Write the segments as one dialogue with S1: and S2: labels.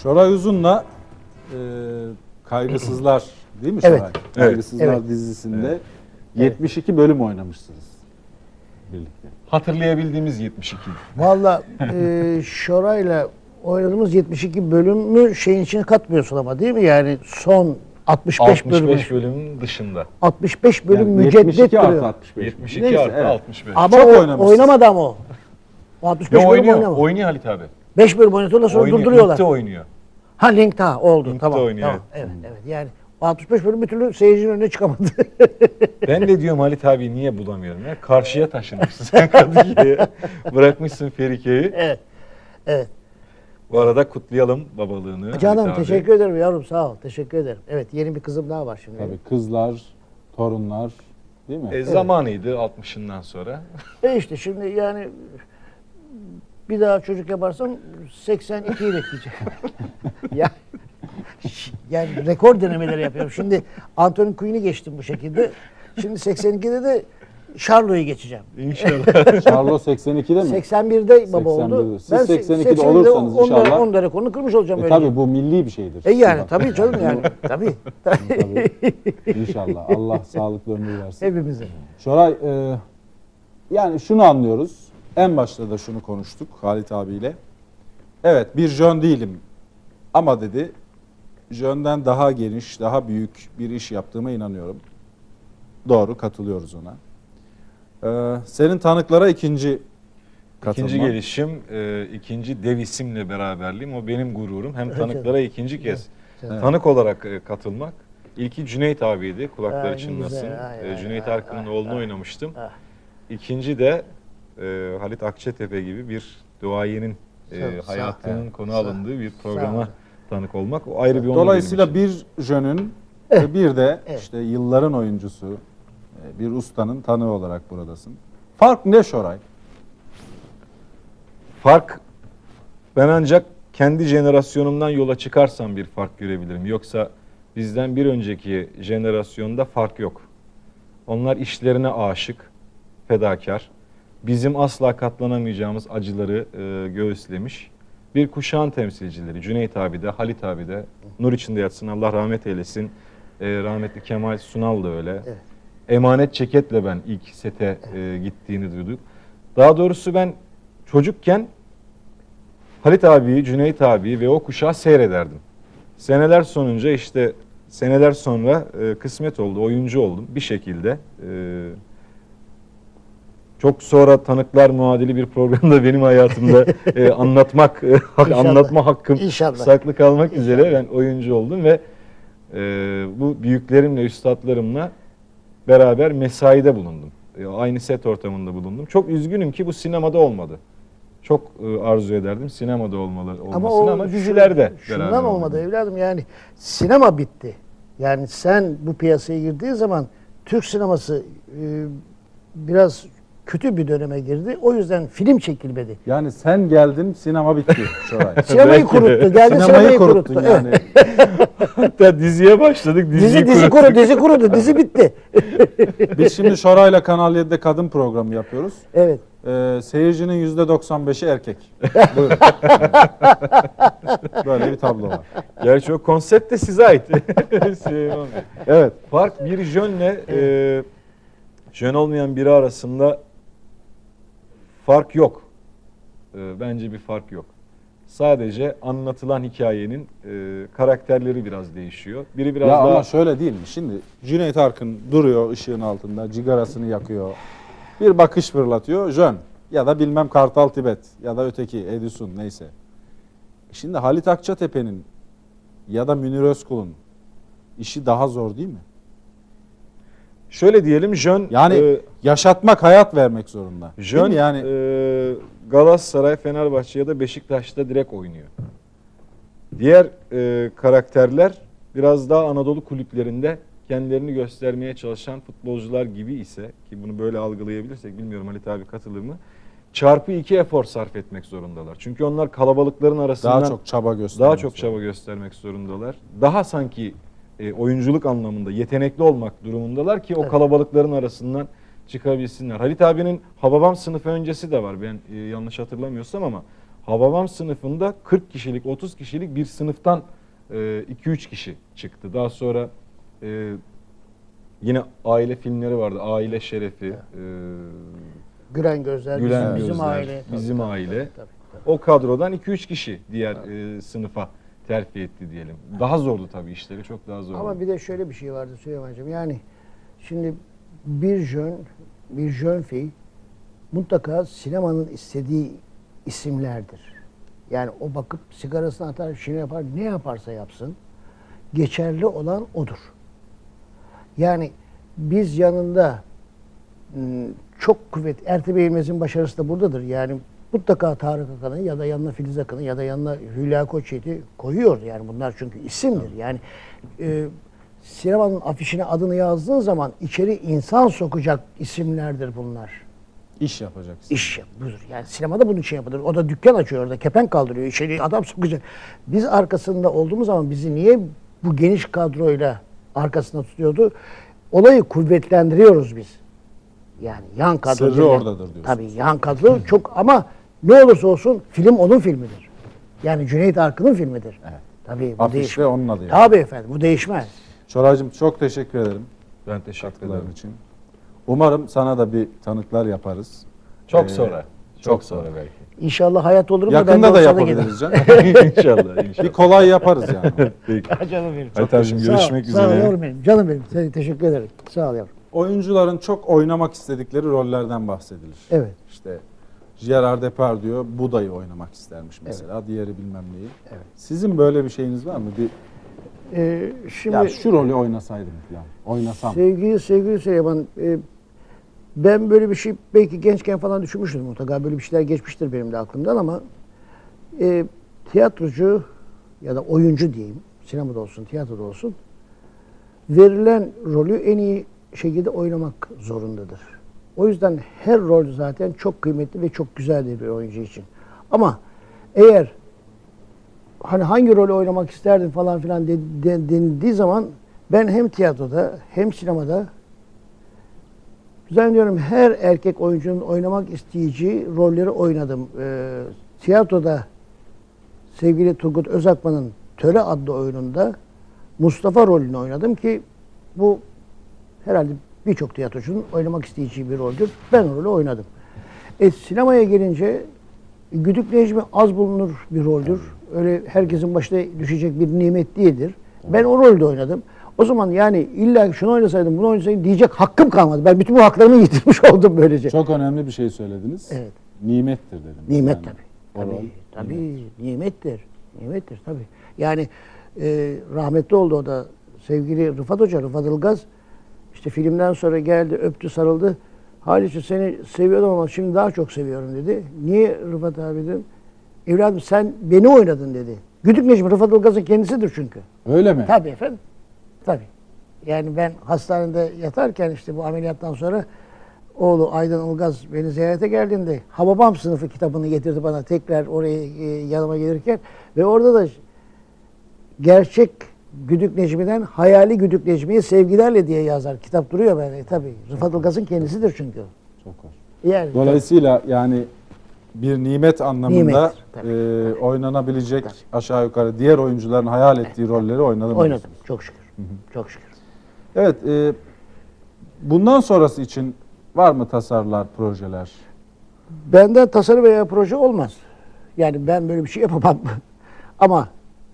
S1: Şoray Uzun'la Kaygısızlar değil mi Şoray?
S2: Evet.
S1: Kaygısızlar
S2: Evet.
S1: dizisinde
S2: Evet.
S1: 72 bölüm oynamışsınız birlikte.
S3: Hatırlayabildiğimiz 72.
S2: Valla Şoray'la oynadığımız 72 bölümü şeyin içine katmıyorsun ama değil mi? Yani son 65 bölüm.
S3: 65 bölümün dışında.
S2: 65 bölüm
S1: Yani
S2: müceddet
S1: 72 artı
S2: duruyor.
S1: 65.
S3: 72
S1: Neyse,
S3: artı
S1: evet.
S3: 65.
S2: Ama
S1: Çok
S2: o
S1: oynamışsın.
S2: oynamadı ama o. O 65
S3: Yo,
S2: bölüm
S3: oynuyor.
S2: oynamadı.
S3: Oynuyor Halit abi.
S2: 5 bölüm oynatıyorlar sonra
S3: Oynuyor.
S2: durduruyorlar.
S3: Link'te oynuyor.
S2: Ha Link'te oldu.
S3: Link'te
S2: Tamam.
S3: oynuyor,
S2: Tamam. Evet, evet. Yani o 65 bölüm bir türlü seyircinin önüne çıkamadı.
S3: Ben de diyorum Halit abi niye bulamıyorum ya? Karşıya taşınmışsın sen Kadıköy'e. Bırakmışsın Ferike'yi.
S2: Evet. Evet.
S3: Bu arada kutlayalım babalığını.
S2: Canım
S3: Halit abi.
S2: teşekkür ederim yavrum sağ ol. Teşekkür ederim. Evet yeni bir kızım daha var şimdi.
S1: Tabii kızlar, torunlar değil mi?
S3: Zamanıydı 60'ından sonra.
S2: İşte şimdi yani bir daha çocuk yaparsam 82'yi bekleyeceğim. ya, yani rekor denemeleri yapıyorum. Şimdi Anthony Quinn'i geçtim bu şekilde. Şimdi 82'de de Charlo'yu geçeceğim.
S3: İnşallah.
S1: Charlo 82'de mi?
S2: 81'de baba
S1: 81'de.
S2: oldu.
S1: Siz 82'de olursanız
S2: onda,
S1: inşallah.
S2: Onda rekorunu kırmış olacağım. öyle.
S1: Tabii bu milli bir şeydir.
S2: Yani tabii canım yani. Tabii.
S1: Tabii. İnşallah. Allah sağlıklı ömür versin.
S2: Hepimize.
S1: Şoray, yani şunu anlıyoruz. En başta da şunu konuştuk Halit abiyle. Evet bir jön değilim ama dedi jönden daha geniş, daha büyük bir iş yaptığıma inanıyorum. Doğru, katılıyoruz ona. Senin tanıklara ikinci katılma.
S3: İkinci gelişim, ikinci dev isimle beraberliğim. O benim gururum. Hem tanıklara ikinci kez tanık olarak katılmak. İlki Cüneyt abiydi. Kulakları
S2: Ay,
S3: çınlasın.
S2: güzel. Ay,
S3: Cüneyt
S2: ay,
S3: Arkın'ın
S2: ay,
S3: oğlunu
S2: ay.
S3: oynamıştım.
S2: Ah.
S3: İkinci de Halit Akçatepe gibi bir duayenin
S2: Sağ-
S3: hayatının konu
S2: sağ-
S3: alındığı bir
S2: sağ
S3: programa
S2: olun.
S3: tanık olmak. O ayrı bir onur
S1: Dolayısıyla
S3: benim için.
S1: bir jönün ve bir de
S2: Evet.
S1: işte yılların oyuncusu, bir ustanın tanığı olarak buradasın. Fark ne Şoray?
S3: Fark, ben ancak kendi jenerasyonumdan yola çıkarsam bir fark görebilirim. Yoksa bizden bir önceki jenerasyonda fark yok. Onlar işlerine aşık, fedakar. Bizim asla katlanamayacağımız acıları göğüslemiş. Bir kuşağın temsilcileri. Cüneyt abi de, Halit abi de. Nur içinde yatsın, Allah rahmet eylesin. Rahmetli Kemal Sunal da öyle.
S2: Evet.
S3: Emanet Çeket'le ben ilk sete gittiğini duyduk. Daha doğrusu ben çocukken Halit abiyi, Cüneyt abiyi ve o kuşağı seyrederdim. Seneler sonra kısmet oldu, oyuncu oldum bir şekilde. Çok sonra tanıklar muadili bir programda benim hayatımda anlatma hakkım
S2: İnşallah.
S3: saklı kalmak üzere ben oyuncu oldum ve bu büyüklerimle, üstadlarımla beraber mesaide bulundum. Aynı set ortamında bulundum. Çok üzgünüm ki bu sinemada olmadı. Çok arzu ederdim sinemada olmasını ama dizilerde
S2: şundan
S3: beraber
S2: olmadı
S3: oldum.
S2: evladım yani sinema bitti. Yani sen bu piyasaya girdiğin zaman Türk sineması biraz kötü bir döneme girdi. O yüzden film çekilmedi.
S1: Yani sen geldin sinema bitti Şoray.
S2: Sinemayı
S3: Belki de.
S2: kuruttu. Geldi sinemayı
S1: kuruttun
S2: kuruttu.
S1: yani.
S3: Hatta diziye başladık.
S2: Dizi kurudu. Dizi bitti.
S1: Biz şimdi Şoray'la Kanal 7'de kadın programı yapıyoruz.
S2: Evet.
S1: Seyircinin %95'i erkek. Buyurun. Böyle bir tablo var.
S3: Gerçi o konsept de size ait. Süleyman Bey.
S1: Evet.
S3: Fark bir jönle jön olmayan biri arasında fark yok. Bence bir fark yok. Sadece anlatılan hikayenin karakterleri biraz değişiyor. Biri biraz
S1: Ya
S3: daha
S1: ama şöyle değil mi? Şimdi Cüneyt Arkın duruyor ışığın altında, cigarasını yakıyor. Bir bakış fırlatıyor, jön. Ya da bilmem Kartal Tibet ya da öteki Edison neyse. Şimdi Halit Akçatepe'nin ya da Münir Özkul'un işi daha zor değil mi?
S3: şöyle diyelim jön
S1: Yani yaşatmak, hayat vermek zorunda. Değil
S3: jön
S1: mi? Yani
S3: Galatasaray, Fenerbahçe ya da Beşiktaş'ta direkt oynuyor. Diğer karakterler biraz daha Anadolu kulüplerinde kendilerini göstermeye çalışan futbolcular gibi ise ki bunu böyle algılayabilirsek bilmiyorum Halit abi katılır mı? Çarpı 2 efor sarf etmek zorundalar. Çünkü onlar kalabalıkların arasından
S1: daha çok çaba göstermek
S3: daha çok çaba göstermek zorundalar. Daha sanki oyunculuk anlamında yetenekli olmak durumundalar ki o kalabalıkların arasından çıkabilsinler. Halit abinin Hababam sınıfı öncesi de var. Ben yanlış hatırlamıyorsam ama Hababam sınıfında 40 kişilik, 30 kişilik bir sınıftan 2-3 kişi çıktı. Daha sonra yine aile filmleri vardı. Aile Şerefi,
S2: Gülen Gözler,
S3: Gülen
S2: bizim
S3: Gözler,
S2: aile.
S3: Bizim
S2: Tabii,
S3: Aile.
S2: tabii, tabii.
S3: O kadrodan 2-3 kişi diğer sınıfa terfi etti diyelim. Daha zordu tabii, işleri çok daha zordu.
S2: Ama bir de şöyle bir şey vardı Süleyman'cığım. Yani şimdi bir jön fi mutlaka sinemanın istediği isimlerdir. Yani o bakıp sigarasını atar, şunu yapar, ne yaparsa yapsın geçerli olan odur. Yani biz yanında çok kuvvet, Ertuğrul Eğilmez'in başarısı da buradadır. Yani mutlaka Tarık Akan'ı ya da yanına Filiz Akın'ı ya da yanına Hülya Koçyiğit'i koyuyor. Yani bunlar çünkü isimdir. Yani sinemanın afişine adını yazdığın zaman içeri insan sokacak isimlerdir bunlar.
S1: İş yapacaksın.
S2: İş budur. Yani sinemada bunun için yapılır. O da dükkan açıyor orada, kepenk kaldırıyor. İçeri adam sokacak. Biz arkasında olduğumuz zaman bizi niye bu geniş kadroyla arkasında tutuyordu? Olayı kuvvetlendiriyoruz biz. Yani yan kadro.
S1: Sırrı
S2: denilen-
S1: oradadır diyorsunuz.
S2: Tabii yan kadro çok, ama ne olursa olsun film onun filmidir. Yani Cüneyt Arkın'ın filmidir.
S1: Evet.
S2: Tabii bu
S1: Afiş
S2: değişmez.
S1: ve onun adı. Yani.
S2: Tabii efendim, bu değişmez.
S1: Şoraycığım çok teşekkür ederim
S3: Ben teşekkür
S1: katkıların
S3: ederim.
S1: için. Umarım sana da bir tanıklar yaparız.
S3: Çok
S1: Ee,
S3: sonra.
S1: çok
S3: sonra
S1: sonra.
S3: belki.
S2: İnşallah hayat olur mu? Ben de
S1: Yakında da
S2: olsa
S1: yapabiliriz canım.
S3: İnşallah, inşallah.
S1: Bir kolay yaparız yani.
S3: Peki.
S2: gelirim. Canım benim.
S3: Aytancığım, görüşmek
S2: Sağ ol
S3: üzere.
S2: yavrum benim. Canım benim. Seni teşekkür ederim. Sağ ol yavrum.
S1: Oyuncuların çok oynamak istedikleri rollerden bahsedilir.
S2: Evet.
S1: İşte Gerard Depardieu Buda'yı oynamak istermiş mesela. Diğeri bilmem neyi.
S2: Evet.
S1: Sizin böyle bir şeyiniz var mı?
S2: Şimdi
S1: Ya şu rolü oynasaydım falan. Oynasam.
S2: sevgili Süleyman, ben böyle bir şey belki gençken falan düşünmüştüm mutlaka. Böyle bir şeyler geçmiştir benim de aklımdan, ama tiyatrocu ya da oyuncu diyeyim, sinemada olsun, tiyatroda olsun, verilen rolü en iyi şekilde oynamak zorundadır. O yüzden her rol zaten çok kıymetli ve çok güzeldir bir oyuncu için. Ama eğer hani hangi rolü oynamak isterdin falan filan denildiği zaman, ben hem tiyatroda hem sinemada zannediyorum her erkek oyuncunun oynamak isteyeceği rolleri oynadım. Tiyatroda sevgili Turgut Özakman'ın Töre adlı oyununda Mustafa rolünü oynadım ki bu herhalde birçok tiyatrocunun oynamak isteyeceği bir roldür. Ben o rolü oynadım. Sinemaya gelince Güdük Necmi az bulunur bir roldür. Öyle herkesin başına düşecek bir nimet değildir. Ben o rolde oynadım. O zaman yani illa şunu oynasaydım, bunu oynasaydım diyecek hakkım kalmadı. Ben bütün bu haklarımı yitirmiş oldum böylece.
S1: Çok önemli bir şey söylediniz.
S2: Evet.
S1: Nimettir dedim.
S2: Nimet
S1: Yani
S2: tabii.
S1: o rol
S2: Tabii nimettir. Nimettir tabii. Yani rahmetli oldu o da, sevgili Rıfat Hoca, Rıfat Ilgaz. İşte filmden sonra geldi, öptü, sarıldı. Haliç'im seni seviyordum ama şimdi daha çok seviyorum dedi. Niye Rıfat abi dedim. Evladım sen beni oynadın dedi. Güdük Necmi Rıfat Ilgaz'ın kendisidir çünkü.
S1: Öyle mi?
S2: Tabii efendim. Tabii. Yani ben hastanede yatarken işte bu ameliyattan sonra oğlu Aydın Ilgaz beni ziyarete geldiğinde Hababam sınıfı kitabını getirdi bana tekrar oraya yanıma gelirken ve orada da gerçek Güdük Necmi'den hayali Güdük Necmi'ye sevgilerle diye yazar. Kitap duruyor böyle tabii. Rıfat Ilgaz'ın kendisidir çünkü.
S1: Çok hoş.
S2: Yani
S1: Dolayısıyla yani bir nimet anlamında
S2: Nimet, tabii.
S1: oynanabilecek aşağı yukarı diğer oyuncuların hayal ettiği rolleri oynadım.
S2: oynadım. Çok şükür. Çok şükür.
S1: Evet. Bundan sonrası için var mı tasarılar, projeler?
S2: Benden tasarım veya proje olmaz. Yani ben böyle bir şey yapamam. Ama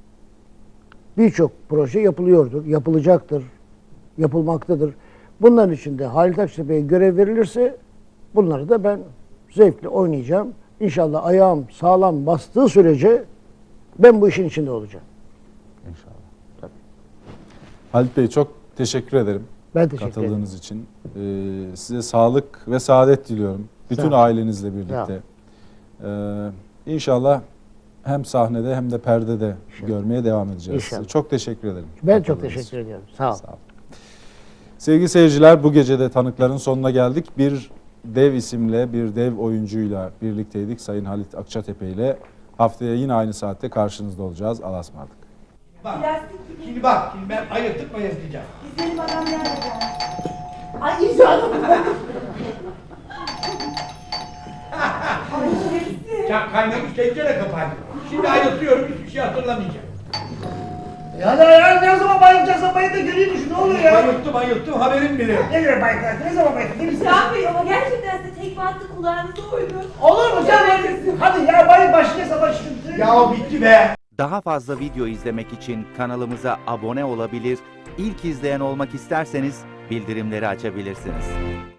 S2: birçok proje yapılıyordur, yapılacaktır, yapılmaktadır. Bunların içinde Halit Akçatepe'ye görev verilirse bunları da ben zevkle oynayacağım. İnşallah ayağım sağlam bastığı sürece ben bu işin içinde olacağım.
S1: İnşallah. Tabii. Halit Bey çok teşekkür ederim.
S2: Ben teşekkür ederim.
S1: Katıldığınız için. Size sağlık ve saadet diliyorum. Bütün ailenizle birlikte. İnşallah hem sahnede hem de perdede görmeye devam edeceğiz.
S2: İnşallah.
S1: Çok teşekkür ederim.
S2: Ben çok
S1: Katıldığınız
S2: teşekkür
S1: için.
S2: ediyorum. Sağ ol.
S1: Sağ olun. Sevgili seyirciler, bu gece de tanıkların sonuna geldik. Bir dev isimle, bir dev oyuncuyla birlikteydik. Sayın Halit Akçatepe ile haftaya yine aynı saatte karşınızda olacağız. Allah'a ısmarladık.
S4: Bak,
S5: Plastik gibi.
S4: şimdi bak, şimdi ben ayırtıp ayırtacağım.
S5: Güzelim adam nerede? Ay icradım. Ay şerefsiz.
S4: Ya kaynamış tencere kapandı. Şimdi ayıltıyorum hiçbir şey hatırlamayacağım.
S2: Ya ne zaman bayılacaksın bayıl da göreyim şu ne oluyor ya?
S4: Ayılttım haberim bile yok.
S2: Ne göre bayıldın? Ne zaman bayıldın? Değil misin?
S5: Can Bey ama gerçekten size tekme attı kulağınıza uydu.
S2: Olur mu canım? Hadi ya bayıl başına savaş.
S4: Ya bitti be.
S6: Daha fazla video izlemek için kanalımıza abone olabilir, ilk izleyen olmak isterseniz bildirimleri açabilirsiniz.